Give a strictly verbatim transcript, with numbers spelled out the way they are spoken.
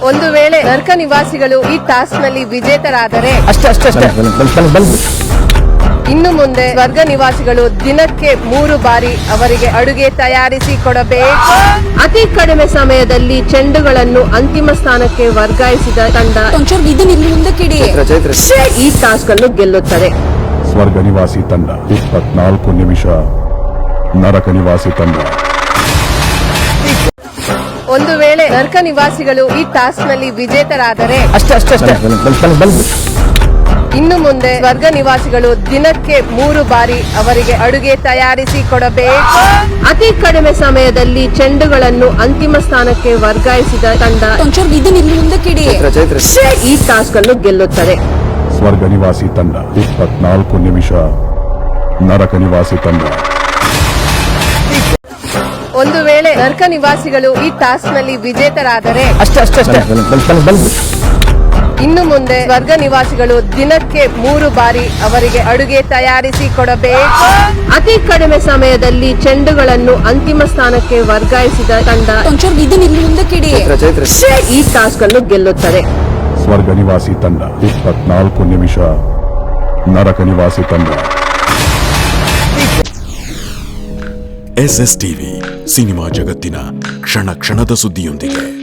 ಒಂದು ವೇಳೆ ನರ್ಕ ನಿವಾಸಿಗಳು ಈ ಟಾಸ್ಕ್ ನಲ್ಲಿ ವಿಜೇತರಾದರೆ ಅಷ್ಟೇ ಅಷ್ಟೇ ಅಷ್ಟೇ ಇನ್ನು ಮುಂದೆ ಸ್ವರ್ಗ ನಿವಾಸಿಗಳು ದಿನಕ್ಕೆ ಮೂರು ಬಾರಿ ಅವರಿಗೆ ಅಡುಗೆ ತಯಾರಿಸಿ ಕೊಡಬೇಕು. ಅತಿ ಕಡಿಮೆ ಸಮಯದಲ್ಲಿ ಚೆಂಡುಗಳನ್ನು ಅಂತಿಮ ಸ್ಥಾನಕ್ಕೆ ವರ್ಗಾಯಿಸಿದ ತಂಡ ಈ ಟಾಸ್ಕ್ ಅನ್ನು ಗೆಲ್ಲುತ್ತದೆ. ಸ್ವರ್ಗ ನಿವಾಸಿ ತಂಡ ಇಪ್ಪತ್ನಾಲ್ಕು ನಿಮಿಷ, ನರಕ ನಿವಾಸಿ ತಂಡ. ಒಂದು ವೇಳೆ ನರ್ಕ ನಿವಾಸಿಗಳು ಈ ಟಾಸ್ಕ್ ನಲ್ಲಿ ವಿಜೇತರಾದರೆ ಅಷ್ಟೇ ಅಷ್ಟೇ ಅಷ್ಟೇ ಇನ್ನು ಮುಂದೆ ಸ್ವರ್ಗ ನಿವಾಸಿಗಳು ದಿನಕ್ಕೆ ಮೂರು ಬಾರಿ ಅವರಿಗೆ ಅಡುಗೆ ತಯಾರಿಸಿ ಕೊಡಬೇಕು. ಅತಿ ಕಡಿಮೆ ಸಮಯದಲ್ಲಿ ಚೆಂಡುಗಳನ್ನು ಅಂತಿಮ ಸ್ಥಾನಕ್ಕೆ ವರ್ಗಾಯಿಸಿದ ತಂಡ ಈ ಟಾಸ್ಕ್ ಅನ್ನು ಗೆಲ್ಲುತ್ತದೆ. ಸ್ವರ್ಗ ನಿವಾಸಿ ತಂಡ ಇಪ್ಪತ್ನಾಲ್ಕು ನಿಮಿಷ, ನರಕ ನಿವಾಸಿ ತಂಡ. ಒಂದು ವೇಳೆ ನರ್ಕ ನಿವಾಸಿಗಳು ಈ ಟಾಸ್ಕ್ ನಲ್ಲಿ ವಿಜೇತರಾದರೆ ಅಷ್ಟೇ ಅಷ್ಟೇ ಅಷ್ಟೇ ಇನ್ನು ಮುಂದೆ ಸ್ವರ್ಗ ನಿವಾಸಿಗಳು ದಿನಕ್ಕೆ ಮೂರು ಬಾರಿ ಅವರಿಗೆ ಅಡುಗೆ ತಯಾರಿಸಿ ಕೊಡಬೇಕು. ಅತಿ ಕಡಿಮೆ ಸಮಯದಲ್ಲಿ ಚೆಂಡುಗಳನ್ನು ಅಂತಿಮ ಸ್ಥಾನಕ್ಕೆ ವರ್ಗಾಯಿಸಿದ ತಂಡ ಈ ಟಾಸ್ಕ್ ಅನ್ನು ಗೆಲ್ಲುತ್ತದೆ. ಸ್ವರ್ಗ ನಿವಾಸಿ ತಂಡ ಇಪ್ಪತ್ನಾಲ್ಕು ನಿಮಿಷ, ನರಕ ನಿವಾಸಿ ತಂಡ. ಎಸ್ ಎಸ್ ಟಿವಿ ಸಿನಿಮಾ ಜಗತ್ತಿನ ಕ್ಷಣ ಕ್ಷಣದ ಸುದ್ದಿಯೊಂದಿಗೆ.